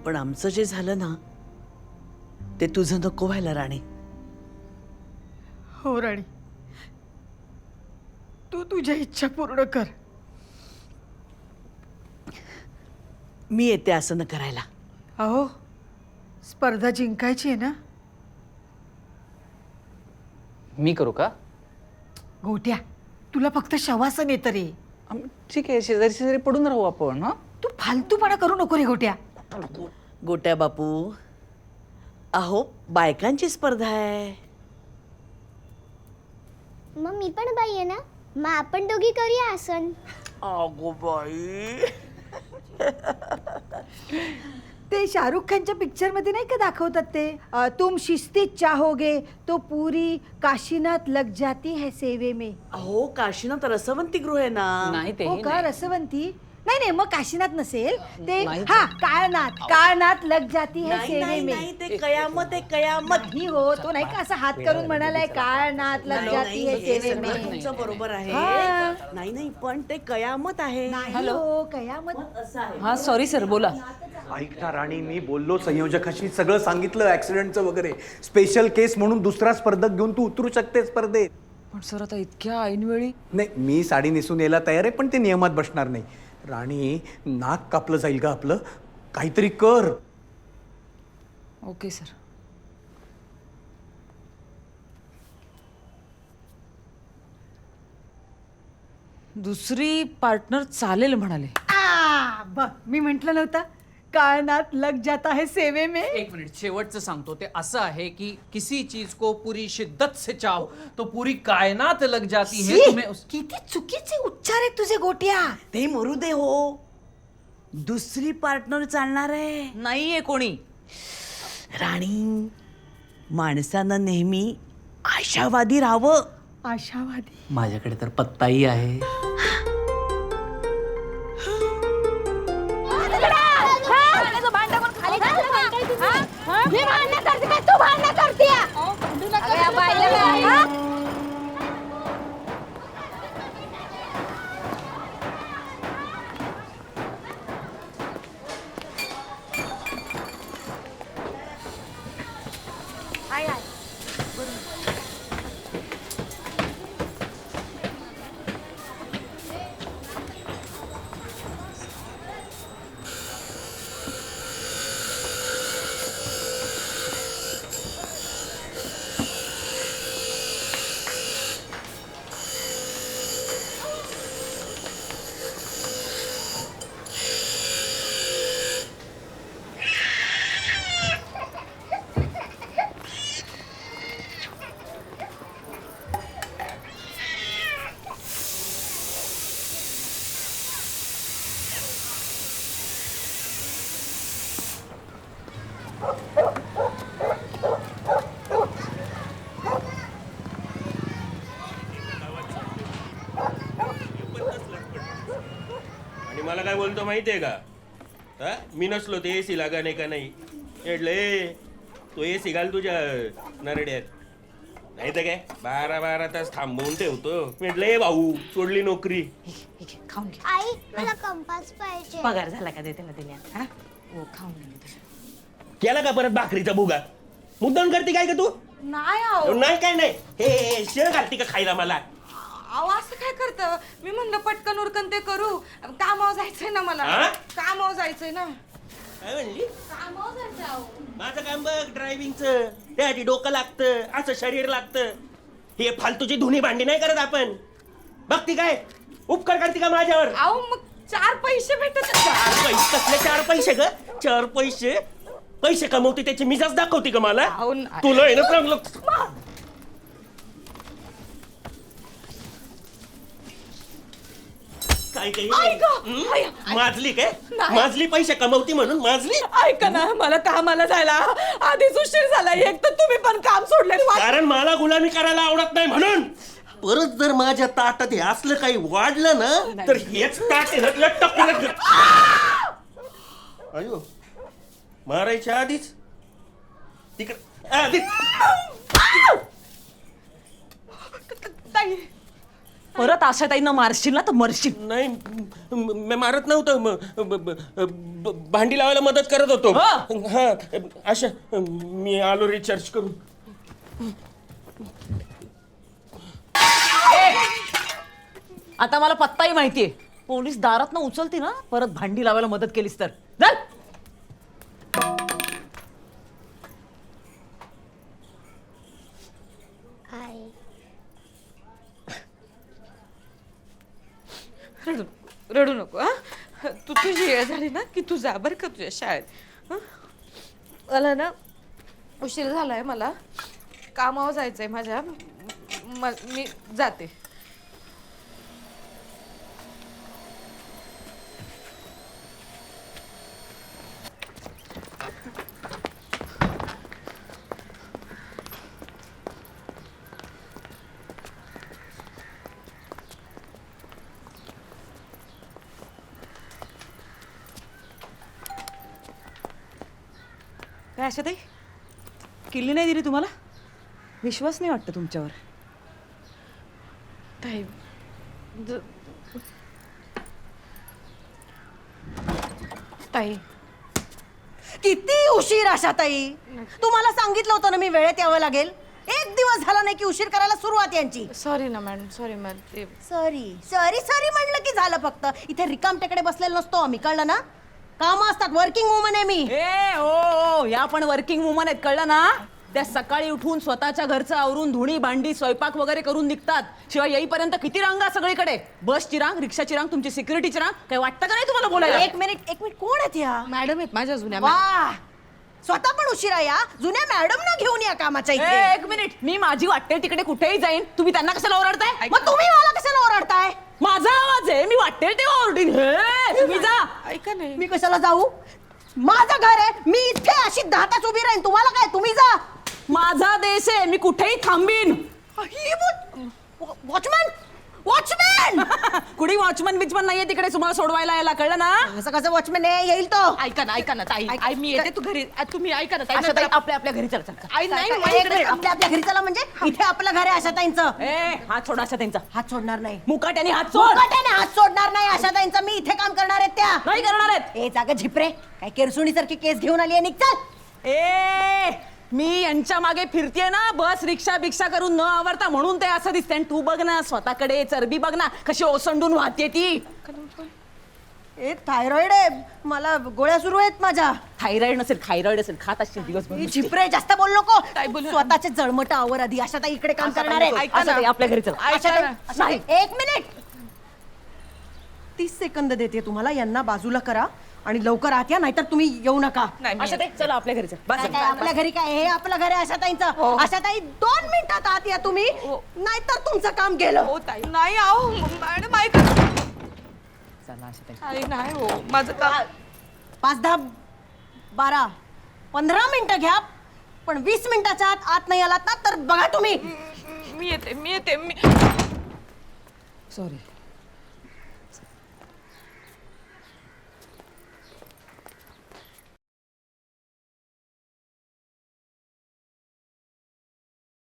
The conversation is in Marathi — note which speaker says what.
Speaker 1: पण आमचं जे झालं ना ते तुझं नको व्हायला राणी.
Speaker 2: हो राणी, तू तुझ्या इच्छा पूर्ण कर.
Speaker 1: मी येते असं न करायला.
Speaker 2: अहो, स्पर्धा जिंकायची आहे ना.
Speaker 3: मी करू का?
Speaker 2: गोट्या, तुला फक्त शवासन येतं रे.
Speaker 3: ठीक आहे, शेजारी शेजारी पडून राहू आपण. हा,
Speaker 2: तू फालतूपणा करू नको रे गोट्या.
Speaker 1: गोट्या बापू, अहो बायकांची स्पर्धा आहे.
Speaker 4: मग मी पण बाई आहे ना, मग आपण दोघी करूया आसन.
Speaker 1: अगो बाई,
Speaker 2: ते शाहरुख खानच्या पिक्चर मध्ये नाही का दाखवतात ते, तुम शिस्तीत चाहोगे तो पूरी काशीनाथ लग जाती है सेवे में.
Speaker 1: अहो काशीनाथ रसवंती गृह आहे ना.
Speaker 3: नाही ते
Speaker 2: हो का, रसवंती? नाही नाही, मग काशीनाथ नसेल ते.
Speaker 3: नाही.
Speaker 2: हा, काळनाथ लग जाती है
Speaker 1: नाही
Speaker 2: सेवे
Speaker 1: नाही
Speaker 2: में.
Speaker 1: नाही, ते कयामत आहे कयामत.
Speaker 2: नाही हो, तो नाही का असं हात करून म्हणालाय काळनाथ लग जाती है
Speaker 1: हे
Speaker 2: सेवे
Speaker 1: सगळं
Speaker 2: में.
Speaker 1: तुमचं बरोबर आहे.
Speaker 2: हा.
Speaker 1: नाही नाही, पण ते कयामत आहे.
Speaker 2: नाही हो, कयामत.
Speaker 1: असं आहे.
Speaker 3: हा सॉरी सर, बोला.
Speaker 5: ऐक ना राणी, मी बोललो संयोजकाशी, सगळं सांगितलं ऍक्सिडेंटचं वगैरे. स्पेशल केस म्हणून दुसरा स्पर्धक घेऊन तू उतरू शकते स्पर्धेत.
Speaker 3: पण सर आता इतक्या ऐनवेळी.
Speaker 5: नाही, मी साडी नेसून यायला तयार आहे, पण ते नियमात बसणार नाही. राणी, नाक कापलं जाईल का आपलं? काहीतरी कर.
Speaker 3: Okay sir. दुसरी पार्टनर चालेल म्हणाले.
Speaker 2: बघ, मी म्हंटल नव्हतं काळनाथ लग जाता है सेवे में.
Speaker 6: एक मिनिट, शेवटचं सांगतो. ते असं आहे की किसी चीज को पूरी शिद्दत से चाहो तो पूरी कायनात लग जाती है.
Speaker 2: शी,
Speaker 6: तुम्हें
Speaker 2: किती चुकीचे उच्चार आहेत तुझे गोट्या.
Speaker 1: ते मरू दे हो. दुसरी पार्टनर चालणार आहे.
Speaker 3: नाहीये कोणी.
Speaker 1: राणी, माणसानं नेहमी आशावादी राहावं.
Speaker 2: आशावादी.
Speaker 6: माझ्याकडे तर पत्ताही आहे.
Speaker 4: मी भांडण करते काय, तू भांडण करते?
Speaker 7: आणि मला काय बोलतो माहितीये का? हा, मी नसलो ते एसी लागा नाही का नाही म्हटलं, तो एसी घाल तुझ्या नरड्यात. नाही तर काय 12-12 तास थांबवून ठेवतो. म्हटलं भाऊ, सोडली नोकरी.
Speaker 3: खाऊन घे.
Speaker 4: आई, मला कंपास पाहिजे.
Speaker 3: पगार झाला का देते ना दिल्या. हा, हो, खाऊन घे.
Speaker 7: केला का परत भाकरीचा भुगा? मुद्दाम करते काय का तू?
Speaker 2: नाही
Speaker 7: नाही काय नाही, हे शेळ घालते का खायला मला?
Speaker 8: अहो, असं काय करतं? मी म्हणलं पटकन उरकन ते करू. कामावर जायचंय ना मला.
Speaker 7: हा?
Speaker 8: कामावर जायचंय ना.
Speaker 7: काय म्हणली?
Speaker 8: कामावर जायचंय अहो.
Speaker 7: माझं काम बघ, ड्रायव्हिंगचं. त्यासाठी डोकं लागतं, असं शरीर लागतं. हे फालतूची धुणी भांडी नाही करत आपण. बघती काय उपकार करते का माझ्यावर?
Speaker 8: अहो, मग 4 पैसे भेटत.
Speaker 7: 4 पैसे कसले 4 पैसे ग? 4 पैसे पैसे कमवते त्याची मिजाज दाखवते का मला?
Speaker 8: अहो, नाही.
Speaker 7: तुला आहे ना चांगलं. काय काही माजली काय? माजली पैसे कमवती म्हणून माजली?
Speaker 8: ऐका ना, मला कामाला जायला आधीच उशीर झाला. एक तर तुम्ही पण काम सोडले.
Speaker 7: कारण मला गुलामी करायला आवडत नाही म्हणून. परत जर माझ्या ताटात हे असलं काही वाढलं ना, तर हेच ताट आहे ना, तुला टपकन घे. अयो, मारायच्या आधीच तिकडे
Speaker 8: ताई,
Speaker 3: परत आशाताईंना मारशील ना तर मरशील.
Speaker 7: नाही मी मारत नव्हतं भांडी लावायला मदत करत होतो. हा आशा मी आलो रिचार्ज करून.
Speaker 3: आता मला पत्ताही माहितीये. पोलीस दारात ना उचलती ना परत भांडी लावायला मदत केलीस तर. चल.
Speaker 8: रडू नको हा. तू तुझी वेळ झाली ना की तू जा बरं का तुझ्या शाळेत. हं? मला ना उशीर झालाय. मला कामावर जायचंय माझ्या. मी जाते.
Speaker 3: काय आशाताई किल्ली नाही दिली तुम्हाला? विश्वास नाही वाटतं तुमच्यावर.
Speaker 8: ताई ताई
Speaker 2: किती उशीर आशाताई. तुम्हाला सांगितलं होतं ना मी वेळेत यावं लागेल. एक दिवस झाला नाही की उशीर करायला सुरुवात यांची.
Speaker 8: सॉरी ना मॅडम. Sorry madam. ते
Speaker 2: सॉरी सॉरी सॉरी म्हणलं की झालं. फक्त इथे रिकाम टेकडे बसलेलो नसतो आम्ही, कळलं ना. कामं असतात. वर्किंग वुमन आहे मी.
Speaker 3: ए ओ या पण वर्किंग वुमन आहेत, कळलं ना. त्या सकाळी उठून स्वतःच्या घरचं आवरून धुणी भांडी स्वयंपाक वगैरे करून निघतात. शिवाय येईपर्यंत किती रांगा सगळीकडे. बसची रांग, रिक्षाची रांग, तुमची सिक्युरिटीची रांग. काही वाटतं का नाही तुम्हाला बोलायला?
Speaker 2: एक मिनिट कोण आहेत या?
Speaker 8: मॅडम आहेत माझ्या जुन्या.
Speaker 2: वा स्वतः पण उशिरा या. जुन्या मॅडम ना घेऊन या कामाच्या इथे.
Speaker 3: एक मिनिट. मी माझी वाटेल तिकडे कुठेही जाईन. तुम्ही त्यांना कशाला ओरडताय?
Speaker 2: मग तुम्ही मला कशाला ओरडताय?
Speaker 3: माझा आवाज आहे. मी वाटेल तेव्हा ओरडीन. हे, तुम्ही जा.
Speaker 8: ऐका नाही.
Speaker 2: मी कशाला जाऊ? माझं घर आहे. मी इथे अशी 10 तास उभी राहीन. तुम्हाला काय? तुम्ही जा.
Speaker 3: माझा देश आहे. मी कुठेही थांबीन.
Speaker 2: वॉचमॅन वॉचमॅन
Speaker 3: कुणी वॉचमन बिचमन नाहीये तिकडे तुम्हाला सोडवायला यायला, कळलं ना.
Speaker 2: असं कसं वॉचमॅन आहे? येईल तो.
Speaker 8: ऐका ना ताई. मी येते. तू घरी तुम्ही ऐका ना ताई.
Speaker 3: आशाताई आपल्या आपल्या घरी चल चल.
Speaker 8: आई नाही
Speaker 2: एक मिनिट, आपल्या आपल्या घरी चला. म्हणजे इथे आपलं घर आहे आशाताईंचं.
Speaker 3: ए हात सोड आशाताईंचा.
Speaker 2: हात सोडणार नाही.
Speaker 3: मुकाट्याने हात सोड.
Speaker 2: मुकाट्याने हात सोडणार नाही आशाताईंचा. मी इथे काम करणार आहेत त्या.
Speaker 3: नाही करणार आहेत.
Speaker 2: ए जागा झिपरे. काय केरसुणीसारखी केस घेऊन आली आहे. निघ चल.
Speaker 3: ए मी यांच्या मागे फिरतेय ना बस रिक्षा भिक्षा करून न आवरता, म्हणून ते असं दिसतंय. तू बघ ना स्वतःकडे. चरबी बघ ना कशी ओसंडून वाहते ती.
Speaker 2: ए थायरॉइड आहे मला. गोळ्या सुरू आहेत माझ्या.
Speaker 3: थायरॉइड नसेल थायरॉइड असेल. खात असतील दिवसभर नुसती.
Speaker 2: झिपरे जास्त बोल नको.
Speaker 8: काय बोलू?
Speaker 2: स्वतःचे जळमट आवर आधी. आशाताई इकडे काम करणार आहेत.
Speaker 3: आशाताई आपल्या घरी चल.
Speaker 2: आशाताई, एक मिनिट. 30 सेकंद देते तुम्हाला. यांना बाजूला करा आणि लवकर आत या, नाहीतर तुम्ही येऊ नका.
Speaker 3: आशाताई चला आपल्या घरी चल. बस
Speaker 2: काय आपल्या घरी काय? हे आपलं घर आहे आशाताईंचं. आशाताई 2 मिनिटात आत या तुम्ही, नाहीतर तुमचं काम गेलं.
Speaker 8: हो ताई. नाही आहो मॅडम ऐका.
Speaker 3: चला आशाताई.
Speaker 8: ताई नाही हो माझं काम.
Speaker 2: 5, 10, 12, 15 मिनिटं घ्या, पण 20 मिनिटाच्या आत नाही आलात ना तर बघा तुम्ही.
Speaker 8: मी येते.
Speaker 3: सॉरी.